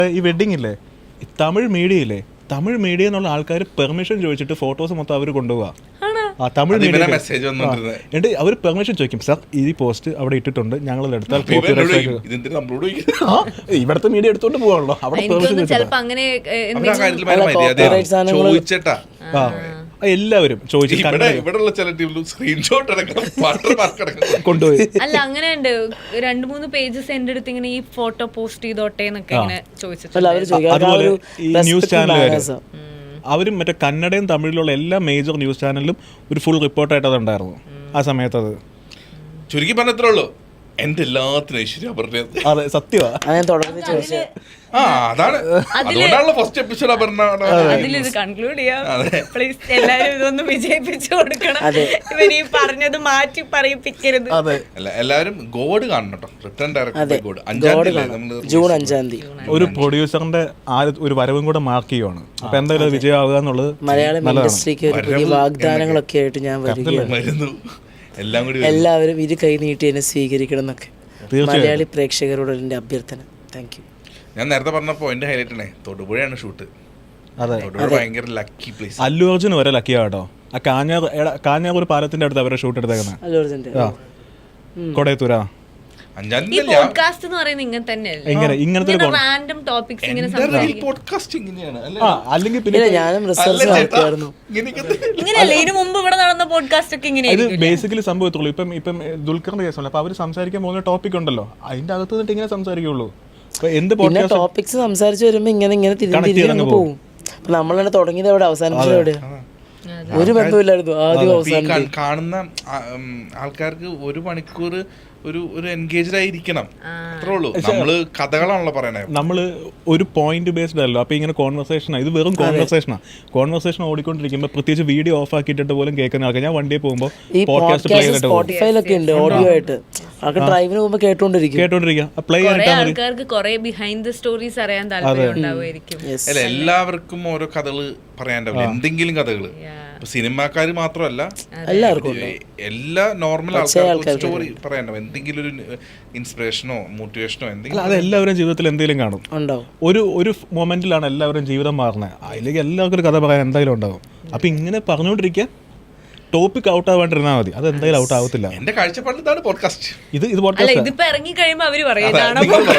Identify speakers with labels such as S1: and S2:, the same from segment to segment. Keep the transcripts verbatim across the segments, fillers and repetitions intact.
S1: ഈ വെഡിങ് ഇല്ലേ, തമിഴ് മീഡിയ ഇല്ലേ, തമിഴ് മീഡിയ എന്നുള്ള ആൾക്കാർ പെർമിഷൻ ചോദിച്ചിട്ട് ഫോട്ടോസ് മൊത്തം അവർ കൊണ്ടുപോവാ. ആ തമിഴ് മീഡിയ
S2: മെസ്സേജ്
S1: എന്നിട്ട് അവർ പെർമിഷൻ ചോദിക്കും, സാർ ഈ പോസ്റ്റ് അവിടെ ഇട്ടിട്ടുണ്ട്, ഞങ്ങൾ എടുത്താൽ ഇവിടുത്തെ മീഡിയ എടുത്തോണ്ട് പോവാണല്ലോ, അവിടെ പെർമിഷൻ
S2: ചോദിച്ചിട്ടാ
S1: എല്ലാവരും കൊണ്ടുപോയി.
S3: അല്ല അങ്ങനെ ഉണ്ട്, രണ്ടു മൂന്ന് പേജസ് എന്റെ അടുത്ത് ഇങ്ങനെ ഈ ഫോട്ടോ പോസ്റ്റ് ചെയ്തോട്ടെ എന്നൊക്കെ ഇങ്ങനെ ചോദിച്ചിട്ടുണ്ട്.
S1: അതുപോലെ ഈ ന്യൂസ് ചാനലുകാർ അവരും മറ്റേ കന്നഡയും തമിഴിലുള്ള എല്ലാ മേജർ ന്യൂസ് ചാനലിലും ഒരു ഫുൾ റിപ്പോർട്ടായിട്ട് അതുണ്ടായിരുന്നു ആ സമയത്ത്. അത്
S2: ചുരുക്കി പറഞ്ഞത്രേ ഉള്ളൂ, എന്റെ എല്ലാത്തിനും ഐശ്വര്യ പറഞ്ഞത്.
S1: അതെ സത്യമാണ്.
S2: ആ അതാണ് അതുകൊണ്ടാണല്ലോ ഫസ്റ്റ് എപ്പിസോഡ് അപർണ
S3: അതിലിത് കൺക്ലൂഡ് ചെയ്യാം. പ്ലീസ് എല്ലാരും ഇതൊന്ന് വിജയിപ്പിച്ചു കൊടുക്കണം. ഇവര് ഈ പറഞ്ഞത് മാറ്റി പറയിപ്പിക്കരുത്.
S2: അല്ല എല്ലാവരും ഗോഡ് കാണണം കേട്ടോ. റിട്ടേൺ ഡയറക്ടർ ഗോഡ് അഞ്ചാം തീയതി
S4: ജൂൺ അഞ്ചാം തീയതി
S1: ഒരു പ്രൊഡ്യൂസറിന്റെ ആ ഒരു വരവും കൂടെ മാർക്ക് ചെയ്യുവാണ്. അപ്പൊ എന്തായാലും വിജയമാവുക എന്നുള്ളത്
S4: മലയാളം ഇൻഡസ്ട്രിക്ക് ഒരു പുതിയ വാഗ്ദാനങ്ങളൊക്കെ ആയിട്ട് ഞാൻ വരികയാണ്.
S2: എല്ലാം കൂടി
S4: എല്ലാവരും ഇരു കൈ നീട്ടി എന്നെ സ്വീകരിക്കണം എന്നൊക്കെ മലയാളി പ്രേക്ഷകരോട് എൻ്റെ അഭ്യർത്ഥന. Thank you.
S2: ഞാൻ നേരത്തെ പറഞ്ഞ പോയിന്റ് ഹൈലൈറ്റ് ആണ്, തൊടുപുഴയാണ് ഷൂട്ട്. തൊടുപുഴ ഭയങ്കര ലക്കി പ്ലേസ്.
S1: അല്ലു അർജുൻ വരെ ലക്കിയാ കേട്ടോ. ആ കാഞ്ഞാർ കാഞ്ഞാർ ഒരു പാലത്തിന്റെ അടുത്ത് അവരെ ഷൂട്ട് എടുത്തേക്കുന്നത്.
S4: അല്ലു അർജുൻ്റെ
S1: കൊടയത്തൂരാ.
S3: ഈ പോഡ്കാസ്റ്റ് എന്ന് പറയുന്നത് ഇങ്ങനെ തന്നെയല്ലേ,
S1: ഇങ്ങനത്തെ
S3: റാൻഡം ടോപ്പിക്സ് ഇങ്ങനെ
S1: അല്ലെങ്കിൽ പിന്നെ
S4: ഞാനും റിസർച്ച് നടത്തിയായിരുന്നു.
S3: ഇങ്ങനെയല്ലേ ഇതിനു മുമ്പ് ഇവിടെ നടന്ന പോഡ്കാസ്റ്റ് ഒക്കെ ഇങ്ങനെ
S1: ഇത് ബേസിക്കലി സംഭവത്തുള്ളൂ. ഇപ്പം ഇപ്പം ദുൽഖറിന്റെ കേസുണ്ട്, അപ്പൊ അവര് സംസാരിക്കാൻ പോകുന്ന ടോപ്പിക് ഉണ്ടല്ലോ, അതിന്റെ അകത്ത് നിന്നിട്ട് ഇങ്ങനെ സംസാരിക്കുള്ളൂ. എന്ത്
S4: ടോപ്പിക്സ് സംസാരിച്ച് വരുമ്പോ ഇങ്ങനെ ഇങ്ങനെ തിരിഞ്ഞു പോകും. അപ്പൊ നമ്മൾ തന്നെ തുടങ്ങിയത് എവിടെ അവസാനിച്ചത് എവിടെയാ? ഒരു ബന്ധമില്ലായിരുന്നു ആദ്യം അവസാനം.
S2: കാണുന്ന ആൾക്കാർക്ക് ഒരു മണിക്കൂർ ഒരു ഒരു എൻഗേജ്ഡ് ആയിരിക്കണം, അത്രേ ഉള്ളൂ. നമ്മള് കഥകളാണല്ലോ പറയണേ,
S1: നമ്മള് ഒരു പോയിന്റ് ബേസ്ഡ് അല്ലോ. അപ്പൊ ഇങ്ങനെ കോൺവെർസേഷൻ, ഇത് വെറും കോൺവെർസേഷനാ. കോൺവെർസേഷൻ ഓടിക്കൊണ്ടിരിക്കുമ്പോ പ്രത്യേകിച്ച് വീഡിയോ ഓഫ് ആക്കിയിട്ട് പോലും കേൾക്കുന്ന ആൾക്കാർ, ഞാൻ വണ്ടിയിൽ പോകുമ്പോ
S4: സ്പോട്ടിഫൈലൊക്കെ ഉണ്ട് ഓഡിയോ ആയിട്ട്, ഡ്രൈവിന് പോകുമ്പോ കേട്ടോണ്ടിരിക്കും
S1: കേട്ടോണ്ടിരിക്കാം പ്ലേ
S3: ആൾക്കാർക്ക് കുറെ ബിഹൈൻഡ് ദ സ്റ്റോറീസ് അറിയാൻ താല്പര്യം ഉണ്ടാവുമായിരിക്കും.
S2: അല്ല എല്ലാവർക്കും ഓരോ കഥകള് പറയാനുണ്ടാവില്ല, എന്തെങ്കിലും കഥകള്. സിനിമാക്കാര് മാത്രമല്ല,
S4: എല്ലാവർക്കും
S2: എല്ലാ നോർമൽ ആൾക്കാർക്കും സ്റ്റോറി പറയാനുണ്ടാവും, എന്തെങ്കിലും ഒരു ഇൻസ്പിറേഷനോ മോട്ടിവേഷനോ എന്തെങ്കിലും.
S1: അത് എല്ലാവരും ജീവിതത്തിൽ എന്തെങ്കിലും കാണും. ഒരു ഒരു മൊമെന്റിലാണ് എല്ലാവരും ജീവിതം മാറുന്നത്. അതിലേക്ക് എല്ലാവർക്കും ഒരു കഥ പറയാൻ എന്തായാലും ഉണ്ടാവും. അപ്പൊ ഇങ്ങനെ പറഞ്ഞുകൊണ്ടിരിക്കാൻ ടോപ്പിക് ഔട്ട് ആവാണ്ടിരുന്നാൽ മതി, അത് എന്തായാലും ഔട്ട് ആവത്തില്ല.
S2: എന്റെ കാഴ്ചപ്പാടിൽ ഇതാണ് പോഡ്കാസ്റ്റ്.
S1: ഇത് ഇത് പോഡ്കാസ്റ്റ്
S3: ഇതിപ്പോ ഇറങ്ങി കഴിയുമ്പോ അവര് പറയുന്നതാണ്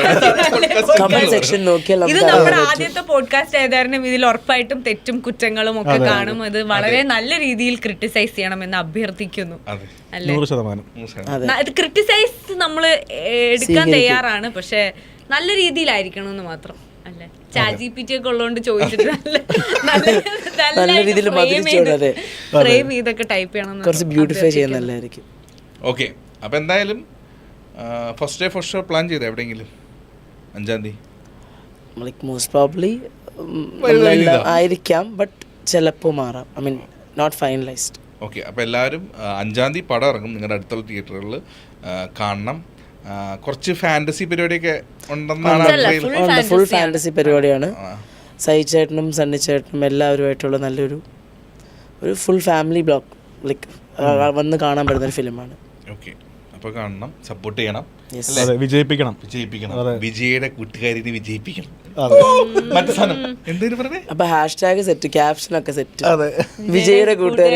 S3: ഇത് നമ്മുടെ ആദ്യത്തെ പോഡ്കാസ്റ്റ് ആയതായിരുന്നു. ഇതിൽ ഉറപ്പായിട്ടും തെറ്റും കുറ്റങ്ങളും ഒക്കെ കാണും. അത് വളരെ നല്ല രീതിയിൽ ക്രിട്ടിസൈസ് ചെയ്യണമെന്ന് അഭ്യർത്ഥിക്കുന്നു.
S1: നൂറ് ശതമാനം
S3: ഇത് ക്രിട്ടിസൈസ് നമ്മള് എടുക്കാൻ തയ്യാറാണ്, പക്ഷെ നല്ല രീതിയിലായിരിക്കണം എന്ന് മാത്രം. അല്ലെ ചാറ്റ്ജിപിടി ഒക്കെ ഉള്ളതുകൊണ്ട് ചോദിച്ചിട്ട് നല്ല രീതിയിൽ ഫ്രെയിം ചെയ്തൊക്കെ ടൈപ്പ് ചെയ്യണം,
S4: കുറച്ച് ബ്യൂട്ടിഫൈ ചെയ്യാൻ നല്ലതായിരിക്കും.
S2: ഓക്കെ, അപ്പൊ എന്തായാലും first day first show plan ചെയ്ത എവിടെയെങ്കിലും അഞ്ചാം തീയതി
S4: മോസ്റ്റ് പ്രോബ്ലി ആയിരിക്കാം, ബട്ട് ചിലപ്പോൾ മാറാം. I mean not finalised.
S2: Okay, അപ്പോൾ എല്ലാവരും അഞ്ചാം തീയതി പടം ഇറങ്ങും, നിങ്ങളുടെ അടുത്തുള്ള തിയേറ്ററുകളിൽ കാണണം. കുറച്ച് ഫാന്റസി പരിപാടിയൊക്കെ ഉണ്ടെന്നാണ്.
S4: ഫുൾ ഫാന്റസി പരിപാടിയാണ്. സൈ ചേട്ടനും സണ്ണി ചേട്ടനും എല്ലാവരുമായിട്ടുള്ള നല്ലൊരു ഒരു ഫുൾ ഫാമിലി ബ്ലോഗ് ലൈക്ക് വന്ന് കാണാൻ പറ്റുന്ന ഒരു ഫിലിമാണ്.
S2: ഓക്കെ, അപ്പോൾ കാണണം, സപ്പോർട്ട് ചെയ്യണം,
S1: വിജയിപ്പിക്കണം
S2: വിജയിപ്പിക്കണം വിജയുടെ കൂട്ടുകാരിനെ വിജയിപ്പിക്കണം. മറ്റേ സാധനം എന്തെങ്കിലും പറഞ്ഞേ.
S4: അപ്പൊ ഹാഷ്ടാഗ് സെറ്റ്, ക്യാപ്ഷൻ ഒക്കെ സെറ്റ്. വിജയുടെ കൂട്ടുകാരി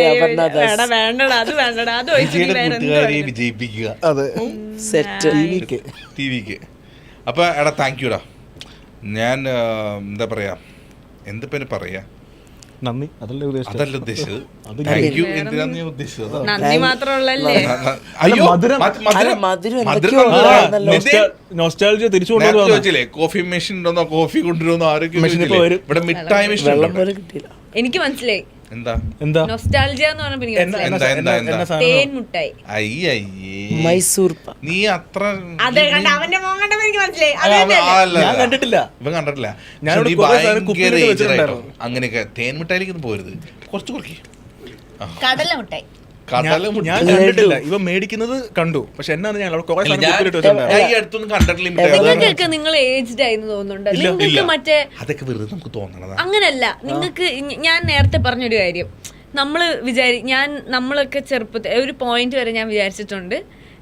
S2: കൂട്ടുകാരിയെ വിജയിപ്പിക്കുക.
S4: സെറ്റ്
S2: ടി വിക്ക്. അപ്പൊ എടാ താങ്ക് യുടാ. ഞാൻ എന്താ പറയാ, എന്തിപ്പോ പറയാ,
S1: നന്ദി അതല്ല
S2: ഉദ്ദേശിച്ചത്. താങ്ക് യു എന്തിനാന്ന് ഞാൻ ഉദ്ദേശിച്ചത്.
S3: നന്ദി മാത്രമല്ലേ.
S2: ചോദിച്ചില്ലേ കോഫി മെഷീൻ ഉണ്ടോന്നോ, കോഫി കൊണ്ടുവരുന്നോ, ആരൊക്കെ ഇവിടെ മിഠായി മെഷീൻ
S4: കിട്ടിയില്ല.
S3: എനിക്ക് മനസ്സിലായി
S1: എന്താ എന്താ
S3: നൊസ്റ്റാൾജിയ എന്ന് പറഞ്ഞപ്പോൾ തേൻ മുട്ടായി.
S4: മൈസൂർ
S2: നീ അത്ര
S3: അവന്റെ മോൻ കണ്ടപ്പോ എനിക്ക് മനസ്സിലായി.
S1: കണ്ടിട്ടില്ല,
S2: ഇവൻ കണ്ടിട്ടില്ല. അങ്ങനെയൊക്കെ തേൻ മിഠായിലേക്ക് പോരുത്, കുറച്ച് കുറയ്ക്ക്.
S3: കടല മുട്ടായി
S1: ഞാൻ കണ്ടിട്ടില്ല, ഇവ മേടിക്കുന്നത് കണ്ടു, പക്ഷെ എന്നാണ് ഞാൻ
S3: നിങ്ങൾക്കൊക്കെ നിങ്ങൾ ഏജ്ഡ് ആയിരുന്നു തോന്നുന്നുണ്ട്. നിങ്ങൾക്ക് മറ്റേ
S2: അതൊക്കെ വെറുതെ നമുക്ക് തോന്നണതാ.
S3: അങ്ങനല്ല, നിങ്ങൾക്ക് ഞാൻ നേരത്തെ പറഞ്ഞൊരു കാര്യം, നമ്മള് വിചാരി ഞാൻ നമ്മളൊക്കെ ചെറുപ്പത്തിൽ ഒരു പോയിന്റ് വരെ ഞാൻ വിചാരിച്ചിട്ടുണ്ട്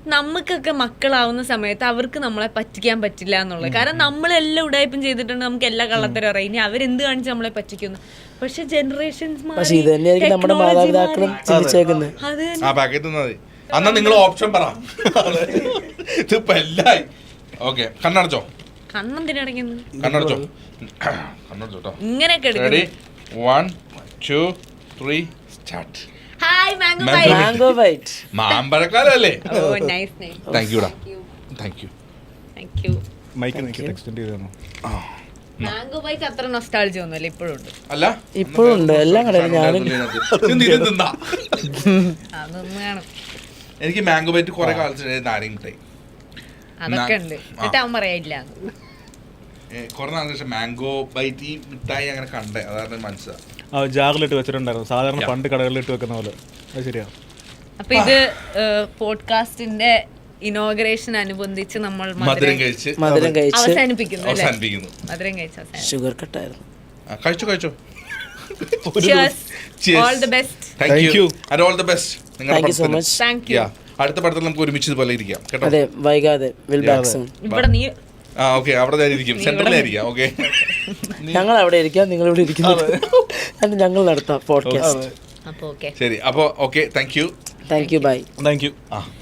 S3: നമുക്കൊക്കെ മക്കളാവുന്ന സമയത്ത് അവർക്ക് നമ്മളെ പറ്റിക്കാൻ പറ്റില്ല എന്നുള്ളത്. കാരണം നമ്മളെല്ലാം ഉടായ്പം ചെയ്തിട്ടുണ്ട്, നമുക്ക് എല്ലാ കള്ളത്തരം അറിയാം. ഇനി അവരെന്ത് കാണിച്ച് നമ്മളെ പറ്റിക്കുന്നു. പക്ഷെ ജനറേഷൻസ്
S4: പക്ഷെ ഇത് തന്നെയായിരിക്കും നമ്മുടെ മാതാപിതാക്കളും ചിന്തിച്ചേക്കുന്നത്.
S3: അത്
S2: ആ പാക്കറ്റ് മതി. അന്നാ നിങ്ങൾ ഓപ്ഷൻ പറ. ഇതിപ്പോ എല്ലായി. ഓക്കെ, കണ്ണടച്ചോ,
S3: കണ്ണെന്തിനടങ്ങുന്നു,
S2: കണ്ണടച്ചോ, കണ്ണടച്ചോ കേട്ടോ.
S3: ഇങ്ങനെയൊക്കെ
S2: റെഡി,
S3: എടുക്കുന്നു.
S2: One two three start.
S3: Hi mango
S2: Mango
S3: bite.
S4: Mango bite.
S2: മാമ്പഴക്കാലല്ലേ.
S3: Oh nice name.
S2: താങ്ക് യുടാ, thank you.
S3: Thank you.
S1: Mike നിൽക്കി എക്സ്റ്റെൻഡ് ചെയ്ത് തന്നു.
S3: മാംഗോ ബൈറ്റ് അത്ര നൊസ്റ്റാൾജി ഒന്നുമല്ല, ഇപ്പോഴും ഉണ്ട്.
S2: അല്ല
S4: ഇപ്പോഴും ഉണ്ട്, എല്ലാം കടയിലും ഞാനും
S2: ഇത് ഇത് തിന്നാ.
S3: അതൊന്നും കാണും,
S2: എനിക്ക് മാംഗോ ബൈറ്റ് കുറെ കാലത്ത് നാരങ്ങ മിഠായി
S3: അതൊക്കെ ഉണ്ട്. എന്നിട്ട് അവൻ പറയാനില്ല.
S2: കുറെ നാളിന് ശേഷം മാംഗോ ബൈറ്റ് ഈ മിഠായി അങ്ങനെ കണ്ടേ, അതാണ് മനസ്സിലാ.
S1: ആ ജാറിലിട്ട് വെച്ചിട്ടുണ്ടായിരുന്നു, സാധാരണ പണ്ട് കടകളിലിട്ട് വെക്കുന്ന പോലെ. അത് ശരിയാ.
S3: അപ്പൊ ഇത് പോഡ്കാസ്റ്റിന്റെ ഇനോഗ്രേഷൻ അനുബന്ധിച്ച് നമ്മൾ
S2: മധുരം കഴിച്ച്
S4: മധുരം കഴിച്ച്
S3: അവസാനിപ്പിക്കുന്നു അല്ലേ?
S2: അവസാനിപ്പിക്കുന്നു.
S3: മധുരം കഴിച്ച് അവസാനിപ്പിക്കുന്നു.
S4: ഷുഗർ കട്ടായിരുന്നു.
S2: ആ, കഴിച്ചോ കഴിച്ചോ.
S3: Cheers.
S2: Cheers.
S3: All the best.
S2: Thank
S1: Thank
S2: you
S1: you.
S2: and all the best. നിങ്ങളുടെ
S4: താങ്ക് യു സോ
S2: പടത്തിന്.
S4: മച്ച്.
S3: Thank you.
S2: Yeah. അടുത്ത പടത്തിൽ നമുക്ക് ഒരുമിച്ച് ഇതുപോലെ ഇരിക്കാം കേട്ടോ.
S4: അതെ, വൈകാതെ വിൽ ബാക്ക് സൂൺ.
S3: ഇവിടെ നീ
S2: ആ ഓക്കെ, അവിടെ തന്നെ ഇരിക്കും, സെന്ററിലായിരിക്കാം. ഓക്കെ,
S4: ഞങ്ങൾ അവിടെ ഇരിക്കാം, നിങ്ങൾ ഇവിടെ ഇരിക്കുന്നത്. എന്നിട്ട് ഞങ്ങൾ നടത്താം പോഡ്കാസ്റ്റ്.
S3: അപ്പൊ ഓക്കെ.
S2: ശരി. അപ്പോൾ okay, thank you.
S4: Thank you, bye.
S1: Thank you.
S2: ആ